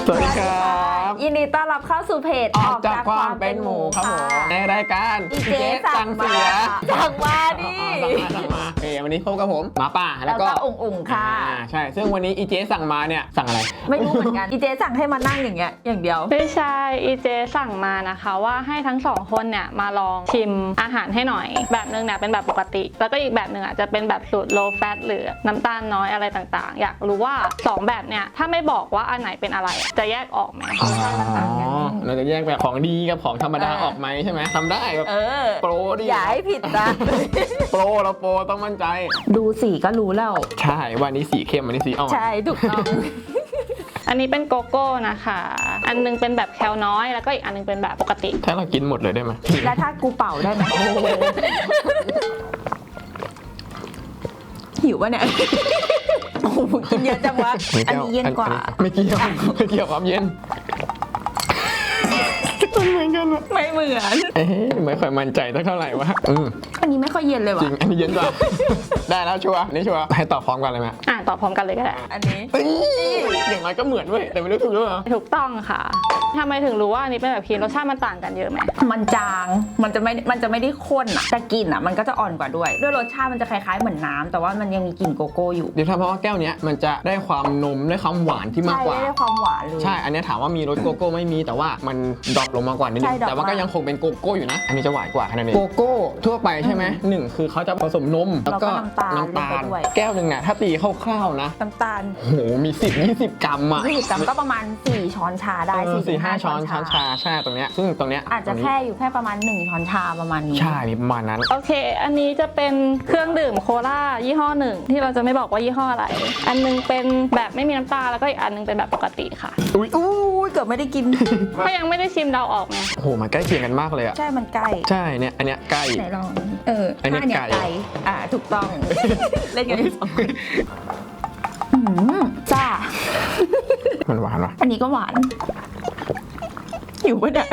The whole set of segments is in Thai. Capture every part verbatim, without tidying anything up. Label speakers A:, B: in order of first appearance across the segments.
A: สวัสดีครับ
B: ยินดีต้อนรับเข้าสู่เพจ
A: ออกจากความเป็นหมูครับผมในรายการ
B: อีเจ๊สั่งเสียสั่งมาดิ
A: สั่งมาโอเควันนี้พบกับผมหมาป่าแล้
B: แล้ว ว
A: ก็
B: ก็อุ่งอุ่งค่ะ
A: อ่าใช่ซึ่งวันนี้อีเจ๊สั่งมาเนี่ยสั่งอะไร
B: ไม่รู้เหมือนกันอีเจ๊สั่งให้มานั่งอย่างเงี้ยอย่างเดียว
C: ไม่ใช่อีเจสั่งมานะคะว่าให้ทั้งสองคนเนี่ยมาลองชิมอาหารให้หน่อยแบบนึงเนี่ยเป็นแบบปกติแล้วก็อีกแบบหนึ่งอ่ะจะเป็นแบบสูตร low fat หรือน้ำตาลน้อยอะไรต่างๆอยากรู้ว่าสองแบบเนี่ยถ้าไม่บอกว่าอันไหนเป็นอะไรจะแยกออกไหม
A: อ๋อเราจะแยกแบบของดีกับของธรรมดาออกไหมใช่ไหมทำได้แบบโปรดี
B: อย่าให้ผิดนะ
A: โปรเราโปรต้องมั่นใจ
B: ดูสีก็รู้แล้ว
A: ใช่วันนี้สีเข้มวันนี้สีอ่อน
B: ใช่ถูกต้อง
C: อันนี้เป็นโกโก้นะคะอันนึงเป็นแบบแคลน้อยแล้วก็อีกอันนึงเป็นแบบปกติ
A: ถ้าเรากินหมดเลยได้ไหม
B: แล้วถ้ากูเป่าได้ไหมหิวป่ะเนี่ยโอ้โหกินเยอะจังวะอันนี้เย็นกว่า
A: ไม่เกี่ยวไม่เกี่ยวความเย็นมันเหมือนกัน
B: ไม่เหมือน
A: เอ๊ะไม่ค่อยมั่นใจเท่าไหร่วะ
B: อันนี้ไม่ค่อยเย็นเลยว่ะ
A: จริงอันนี้เย็นกว่าได้แล้วชัวร์นี่ชัวร์ให้ตอบพร้อมกันเลยไหม
C: อ่ะตอบพร้อมกันเลยก็ได้
B: อันนี้
A: อย่างไรก็เหมือนเว้ยแต่ไม่รู้ถูกหรือเปล่า
C: ถูกต้องค่ะทำไมถึงรู้ว่าอันนี้เป็นแบบครีมรสชาติมันต่างกันเยอะไหม
B: มันจางมันจะไม่มันจะไม่ได้ข้นอะแต่กลิ่นอะมันก็จะอ่อนกว่าด้วยด้วยรสชาติมันจะคล้ายๆเหมือนน้ำแต่ว่ามันยังมีกลิ่นโกโก้อยู่
A: เดี๋ยวถ้าเพราะว่าแก้วนี้มันจะได้ความนมได้ความหวานที่มากกว่า
B: ใช่ได้ความหวานเลย
A: ใช่อันนี้ถามว่ามีรสโกโก้ไม่มีแต่ว่ามันดรอปลงมากว่านิดนึงแต่ว่าก็ยังคงเป็นโกโก้อยู่นะอันนี้จะหวานกว่าแค่นั้นเองโกโก้ทั่วไปใช่ไหมหนึ่งคือเขาจะผสมนมแล้วก็น้ำตาลแก้วหนึ่งน่ะถ้าตีคร่าวๆนะ
B: น้ำตาล
A: โหมีสิบยี่สิบกรัมอ่ะ
B: ยี่สิบกรัมก็ประมาณสี่ช้อนชาได้
A: สี่ห้าช้อนช้อนชาใช่ตรงเนี้ยซึ่งตรงเนี้ย
B: อาจจะแค่อยู่แค่ประมาณหนึ่งช้อนชาประมาณนี้
A: ใช่ประมาณนั้น
C: โอเคอันนี้จะเป็นเครื่องดื่มโคลายี่ห้อหนึ่งที่เราจะไม่บอกว่ายี่ห้ออะไรอันนึงเป็นแบบไม่มีน้ำตาลแล้วก็อีกอันนึงเป็นแบบปกติค่ะ
A: อุ้ย
B: อู้เกือบไม่ได้กิน
C: ก็ยังไม่ได้ชิมเดาออกไง
A: โอ้โหมันใกล้เคียงกันมากเลยอะ
B: ใช่มันใกล้
A: ใช่เนี่ยอันเนี้ยใกล้
B: ไหนลองเอออันนี้ไก่อ่าถูกต้องเล่นกันสองจ้า
A: มันหวานวะ
B: อันนี้ก็หวานหิวปะเนี่ย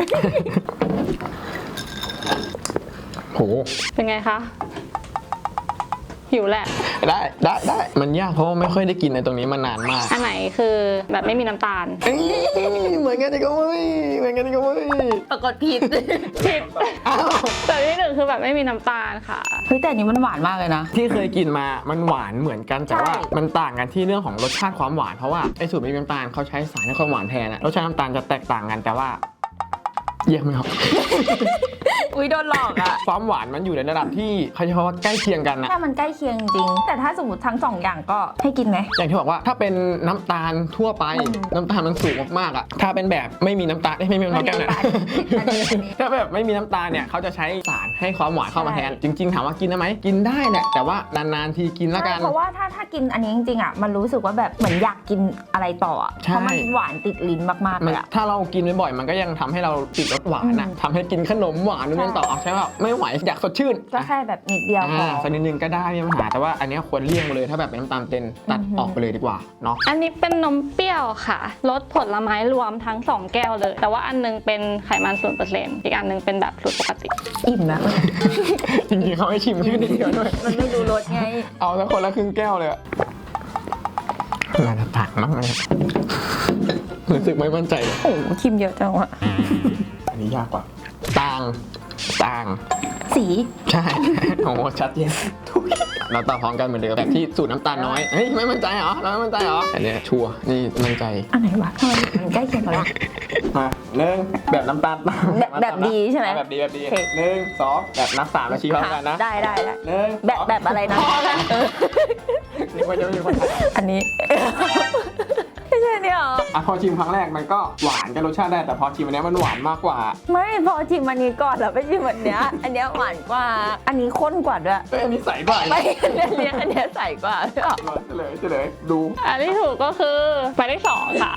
A: โห
C: เป็นไงคะหิวแหละ
A: ได้ได้ได้มันยากเพราะว่าไม่ค่อยได้กินในตรงนี้มานานมาก
C: อันไหนคือแบบไม่มีน้ำตาล
A: เหมือนกันนี่ก็ไม่เหมือนกันนี่ก็ไม่
B: ปรากฏผิด
C: ผิดแต่ที่หนึ่งคือแบบไม่มีน้ำตาลค่ะ
B: เฮ้ยแต่อันนี้มันหวานมากเลยนะ
A: ที่เคยกินมามันหวานเหมือนกันแต่ว่ามันต่างกันที่เรื่องของรสชาติความหวานเพราะว่าไอ้สูตรไม่มีน้ำตาลเขาใช้สารให้ความหวานแทนนะรสชาติน้ำตาลจะแตกต่างกันแต่ว่าแยกไม่ออก
B: อุ้ยโดนหลอกอะ
A: ความหวานมันอยู่ในระดับที่เขาจะว่าใกล้เคียงกันนะ
B: ถ้ามันใกล้เคียงจริงแต่ถ้าสมมติทั้งสองอย่างก็ให้กินไหม
A: อย่างที่บอกว่าถ้าเป็นน้ำตาลทั่วไปน้ำตาลมันสูงมากๆอะถ้าเป็นแบบไม่มีน้ำตาลไม่มีน้ำตาลแก้วเนี่ยถ้าแบบไม่มีน้ำตาลเนี่ยเขาจะใช้สารให้ความหวานเข้ามาแทนจริงๆถามว่ากินได้ไหมกินได้แหละแต่ว่านานๆทีกินละกัน
B: เพราะว่าถ้าถ้ากินอันนี้จริงๆอะมันรู้สึกว่าแบบเหมือนอยากกินอะไรต่อเพราะมันหวานติดลิ้นมากๆเลยอะ
A: ถ้าเรากินบ่อยๆมันก็ยังทำให้เราติดรสหวานอะทำให้กินขนมหวานนู่นต่อใช่ป่ะไม่ไหวอยากสดชื่น
B: ก็แค่แบบนิดเดียวพอ
A: สักนิดนึงก็ได้ไม่มีปัญหาแต่ว่าอันนี้ควรเลี่ยงเลยถ้าแบบเป็นน้ำตาลเต็มตัดออกไปเลยดีกว่าเนาะ
C: อันนี้เป็นนมเปรี้ยวค่ะรสผลไม้รวมทั้งสองแก้วเลยแต่ว่าอันนึงเป็นไขมันศูนย์เปอร์เซ็นต์อีกอันนึงเป็นแบบสูตรปกติ
B: อิ่มนะ
A: จริงๆเขาให้ชิมแค่นิดเดียวด้วย
B: มันไม่ดูรสไง
A: เอาสักคนละครึ่งแก้วเลยอะน่าจะต่างมากเลยรู้สึกไม่มั่นใจ
B: โอ้โหชิมเยอะจังวะ
A: อันนี้ยากกว่าต่างต่าง
B: สี
A: ใช่โอ้ชัดเจนเราต่อพร้อมกันเหมือนเดิมแบบที่สูตรน้ำตาลน้อยเฮ้ยไม่มั่นใจเหรอเราไม่มั่นใจเหรออันนี้ชัวร์นี่มั่นใจ
B: อันไหนวะทำไมมันใกล้เคียงกันล่ะ
A: มาหนึ่งแบบน้ำตาล
B: แบบแบบดีใช่ไหม
A: แบบดีแบบดีหนึ่งสองแบบนับสามแล้วชี้พร้อมกันนะ
B: ได้ได้ได้
A: หนึ่ง
B: แบบแบบอะไรนะ
A: นี่ว่าจะมีคน
B: อันนี้ไม่ใช่เนี่ยหรอ
A: อ่ะพอชิมครั้งแรกมันก็หวานกับรสชาติได้แต่พอชิมอันนี้มันหวานมากกว่า
B: ไม่พอชิมอันนี้ก่อนแล้วไปชิมอันเนี้ยอันเนี้ยหวานกว่าอันนี้ข้นกว่าด้วย
A: อันนี้ใสกว่า
B: ไม่อันเนี้ยอันเนี้ยใสกว่าใช่หรอ
A: เฉลยเฉลยดู
C: อันที่ถูกก็คือหมายเลขสองค่ะ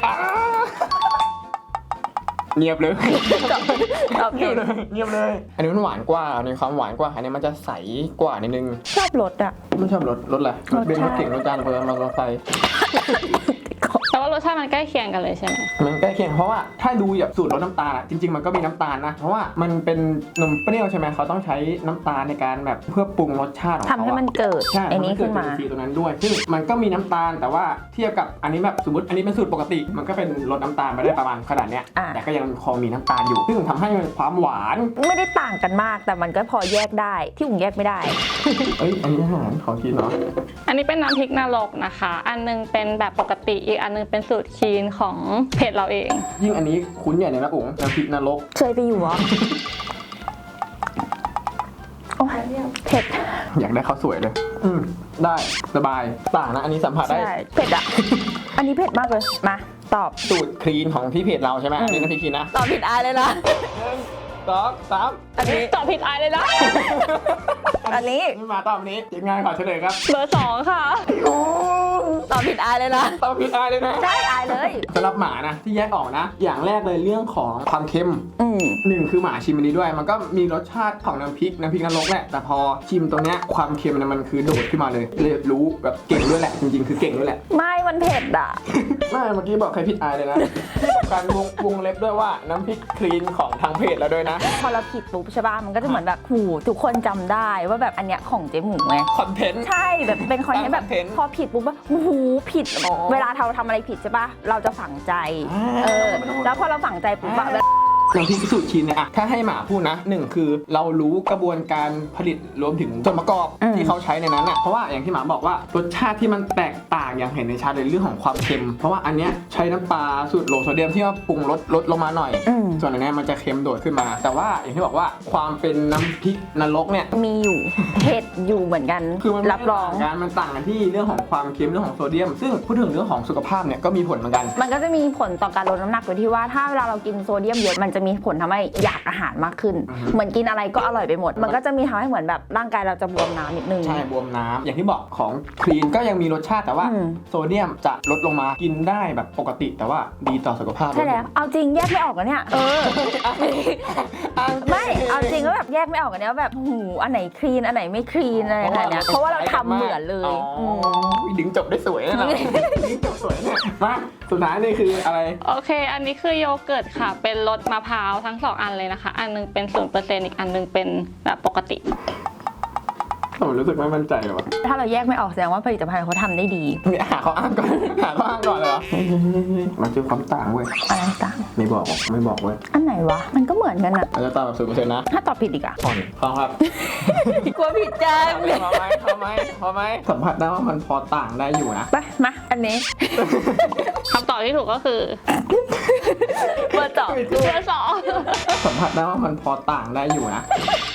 A: เงียบเลย
B: เงียบ
A: เลยเงียบเลยอันนี้มันหวานกว่าอันนี้ความหวานกว่าอันนี้มันจะใสกว่านิดนึง
B: ชอบรสอะ
A: ไม่ชอบรสรสอะไรรสเบนซ์รสเก่งรสจานรสรสไฟ
C: แต่ว่ารสชาติมันใกล้เคียงกันเลยใช่ไหม
A: มันใกล้เคียงเพราะว่าถ้าดูแบบสูตรรสน้ำตาลอะจริงๆมันก็มีน้ำตาลนะเพราะว่ามันเป็นนมเปรี้ยวใช่ไหมเขาต้องใช้น้ำตาลในการแบบเพื่อปรุงรสชาติของ
B: ทำ
A: เขา
B: ให้
A: อะ
B: มันเกิด
A: ใช่
B: ไอ้นี้ขึ้นมา
A: ทำให้เกิดจุลินทรีย์ตรงนั้นด้วยซึ่งมันก็มีน้ำตาลแต่ว่าเทียบกับอันนี้แบบสมมติอันนี้เป็นสูตรปกติ มันก็เป็นรสน้ำตาลไปได้ประมาณขนาดเนี้ย
B: อ่ะ
A: แต่ก็ยังพอมีน้ำตาลอยู่ ซึ่งทำให้มันความหวาน
B: ไม่ได้ต่างกันมากแต่มันก็พอแยกได้ที่อุ่งแยกไม่ได้
A: เอ้ยอันนี้อาหารของกินเนาะ
C: อันนี้เป็นน้ำพริกนรกนะคะ อันนึงเป็นแบบปกติอีกอันนึงเป็นสูตรคีนของเพจเราเอง
A: ยิ่งอันนี้คุ้นใหญ่เลยนะอุ๋งน้ำพริกนรก
B: เคยไปอยู่เหรอ โอ้ยเผ็ด
A: อยากได้ข้าวสวยเลยอืมได้สบายต่างนะอันนี้สัมผัสได้
B: ใช่เผ็ดอ่ะ อันนี้เผ็ดมากเลยมาตอบ
A: สูตรคลีนของที่เพจเราใช่ไหมอันนี้น้ำพริกคลีนนะ
B: ตอบผิดอายเลยนะ
A: หนึ่งสองสาม
B: อันนี้
C: ตอบผิดอายเลยนะ
B: อันนี้
A: นี่มาตอบนี้ทีมงานขอเฉลยครับ
C: เบอร์สองค่ะ
B: ตอบผิดอายเลยนะ
A: ตอบผิดอายเลยนะ
B: ใช่อายเลย
A: สำหรับหมานะที่แยกออกนะ อย่างแรกเลยเรื่องของความเค็ม
B: อืม
A: หนึ่งคือหมาชิมอันนี้ด้วย มันก็มีรสชาติของน้ำพริกน้ำพริกนรกแหละแต่พอชิมตรงเนี้ยความเค็มเนี่ยมันคือโดดขึ้นมาเลยเลยรู้แบบเก่งด้วยแหละจริงๆคือเก่งด้วยแหละ
B: ไม่มันเผ็ดอ่ะ
A: ไม่เมื่อกี้บอกใครผิดอายเลยนะ การวงวงเล็บด้วยว่าน้ำพริกคลีนของทางเพจเราด้วยนะ
B: พอเราผิดปุ๊บใช่ป่ะมันก็จะเหมือนแบบหูทุกคนจำได้ว่าแบบอันเนี้ยของเจ๊หมูไง
A: คอนเทนต์
B: ใช่แบบเป็นคอนเทนต์แบบ
A: คอนเทนต์
B: พอผิดปุ๊บว่าหูผิด
A: อ๋อ
B: เวลาเราทำอะไรผิดใช่ป่ะเราจะฝังใจ
A: อ่า
B: เออแล้วพอเราฝังใจปุ๊บอะแบบ
A: น้ำพริกสูตรชินเนี่ยอะถ้าให้หมาพูดนะหนึ่งคือเรารู้กระบวนการผลิตรวมถึงส่วนประกอบ
B: อืม
A: ที่เขาใช้ในนั้นอะเพราะว่าอย่างที่หมาบอกว่ารสชาติที่มันแตกต่างอย่างเห็นในชัดเลยเรื่องของความเค็ม เพราะว่าอันเนี้ยใช้น้ำปลาสูตรโลโซเดียมที่ว่าปรุงลดลดลงมาหน่อย
B: อืม
A: ส่วนอันเนี้ยมันจะเค็มโดดขึ้นมา แต่ว่าอย่างที่บอกว่าความเป็นน้ำพริกนรกเนี่ย
B: มีอยู่เผ็ดอยู่เหมือนกัน
A: คือมันไม่
B: รับรอง
A: ต่ากันมันต่างกันที่เรื่องของความเค็มเรื่องของโซเดียม ซึ่งพูดถึงเรื่องของสุขภาพเนี่ยก็มีผลเหมือนกัน
B: มันก็จะมีผลต่อการลดน้ำหนักโดยที่ว่าถ้าเวลาเรากินโซเดียมเยอะมันจะมีผลทำให้อยากอาหารมากขึ้น
A: อือฮึ
B: เหมือนกินอะไรก็อร่อยไปหมด มันก็จะมีทำให้เหมือนแบบร่างกายเราจะบวมน้ำนิดนึง
A: ใช่บวมน้ำอย่างที่บอกของคลีนก็ยังมีรสชาติแต่ว่า
B: อืม
A: โซเดียมจะลดลงมากินได้แบบปกติ แต่ว่าดีต่อสุขภาพ
B: ใช่แล้วเอาจริงแยกไม่ออกกันเนี่ยเออ ไม่เอาจริงก็แบบแยกไม่ออกกันเนี่ยว่าแบบหูอันไหนคลีนอันไหนไม่คลีนอะไรขนาดเนี้ยเพราะว่าเราทำเหมือนเลย
A: อ๋ออ
B: ม
A: ดึงจบได้สวยนะเราดึงจบสวยเนี่ยมาสุดท้ายนี่คืออะไร
C: โอเค อันนี้คือโยเกิร์ตค่ะ เป็นรสมะพร้าวทั้งสองอันเลยนะคะ อันนึงเป็นศูนย์เปอร์เซ็นต์อีกอันนึงเป็นแบบปกติ
A: ผมรู้สึกไม่มั่นใจเลยว่ะ
B: ถ้าเราแยกไม่ออกแสดงว่าผลิตภัณฑ์เขาทำได้ดี
A: เนี่ยหาข้ออ้างก่อนหาข้ออ้างก่อนเลยเหรอมันเจอความต่างเว้ย
B: อะไรต่าง
A: ไม่บอกไม่บอกเว้ย
B: อันไหนวะมันก็เหมือนกันอะ
A: เราจะตามแบบศูนย์เปอร์เซ็นต์นะ
B: ถ้าตอบผิดอีกอะ
A: ผ่อนพอครับ
B: กลัวผิดจัง
A: พอไหมพอไหมพอไหมสัมผัสได้ว่ามันพอต่างได้อยู่นะ
B: ไปมาอันนี้
C: คำตอบที่ถูกก็คือ
B: เบอร์สอง
C: เบอร์สอง
A: สัมผัสได้ว่ามันพอต่างได้อยู่นะ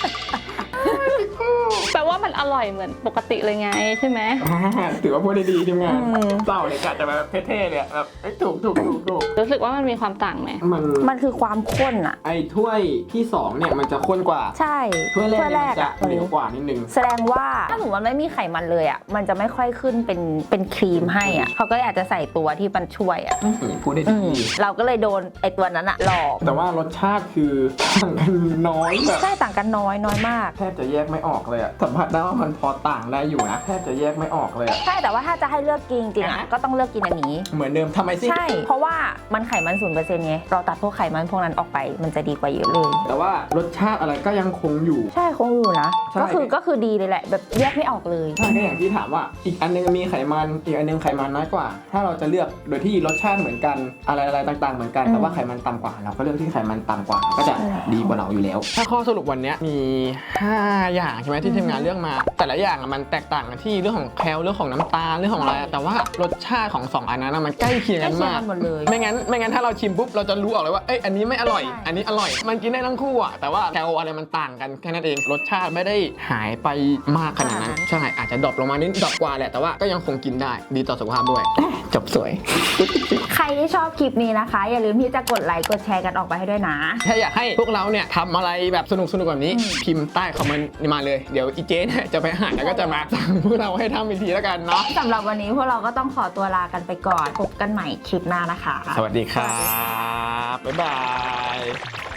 C: แปลว่ามันอร่อยเหมือนปกติเลยไงใช่ไหม
A: ถือว่าพูดได้ดีทีมงานเศร้าเลยกะจะแบบเท่ๆเลยแบบเอ้ยถูกถูกถูกถูก
C: รู้สึกว่ามันมีความต่างไหม
A: มัน
B: มันคือความข้นอะ
A: ไอ้ถ้วยที่สองเนี่ยมันจะข้นกว่า
B: ใช่
A: ถ้วยแรกเนี่ยมันจะ
B: อะ
A: เหลวกว่านิดนึง
B: แสดงว่าถ้าสมมติมันไม่มีไขมันเลยอะมันจะไม่ค่อยขึ้นเป็นเป็นครีมให้อะเขาก็เลยอาจจะใส่ตัวที่มันช่วยอะ
A: อืมพูดได้
B: อื
A: ดี
B: มเราก็เลยโดนไอตัวนั้นอะหลอก
A: แต่ว่ารสชาติคือต่างกันน้อยแบบ
B: ใช่ต่างกันน้อยน้อยมาก
A: แทบจะแยกไม่ออกเลยอะสัมผัสได้ว่ามันพอต่างได้อยู่นะแทบจะแยกไม่ออกเลยอะ
B: ใช่แต่ว่าถ้าจะให้เลือกกินจริงๆอะ
A: อ่ะ
B: ก็ต้องเลือกกินอันนี้
A: เหมือนเดิมทำไมสิ
B: ใช่ เพราะว่ามันไขมันศูนย์เปอร์เซ็นต์ไงเราตัดพวกไขมันพวกนั้นออกไปมันจะดีกว่าเยอะเลย
A: แต่ว่ารสชาติอะไรก็ยังคงอยู่
B: ใช่คงอยู่นะ
A: ใช่
B: ก็คือก็คือดีเลยแหละ แบบแยกไม่ออกเลย
A: ใช่ก็อย่างที่ถามว่าอีกอันนึงมีไขมันอีกอันนึงไขมันน้อยกว่า ถ้าเราจะเลือกโดยที่รสชาติเหมือนกันอะไรอะไรต่างๆเหมือนกัน
B: อืม
A: แต่ว่าไขมันต่ำกว่าเราก็เลือกที่ไขมันต่ำกว่าก็จะ
B: ใช่
A: ดีกว่าเราอยู่แล้ว ถ้าข้อสรุปวันนี้มีห้าอย่างใช่ไหมที่ทีมงานเลือกมา แต่ละอย่างอะมันแตกต่างกันที่เรื่องของแคลเรื่องของน้ำตาลเรื่องของอะไรอะแต่ว่ารสชาติของสองอันนั้นอะมันใกล้เคียง
B: ใกล้
A: กัน
B: เคียง
A: มาก
B: กันหมดเลย
A: ไม่งั้นไม่งั้นถ้าเราชิมปุ๊บเราจะรู้ออกเลยว่าเอ้ยอันนี้ไม่อร่อย
B: ใช่
A: อันนี้อร่อย มันกินได้ทั้งคู่อะแต่ว่าแคลอะไรมันต่างกันแค่นั้นเองรสชาติไม่ได้หายไปมากขนาดนั้นใช่อาจจะดรอปลงมานิดดรอปกว่าแหละแต่ว่าก็ยังคงกินได้ดีต่อสุขภาพด้วยจบสวย
B: ใครที่ชอบคลิปนี้นะคะ อย่าลืมที่จะกดไลค์กดแชร์กันออกไปให้ด้วยนะ
A: ถ้าอยากให้พวกเราเนี่ยทำอะไรแบบสนุกสนุกแบบนี้
B: อืม
A: พิมพ์ใต้คอมเมนต์มาเลยเดี๋ยวอีเจ๊เนี่ยจะไปหาแล้วก็จะมาสั่งพวกเราให้ทำอีกทีแล้วกันเนาะ
B: สำหรับวันนี้พวกเราก็ต้องขอตัวลากันไปก่อนพบกันใหม่คลิปหน้านะคะ
A: สวัสดีครับบ๊ายบาย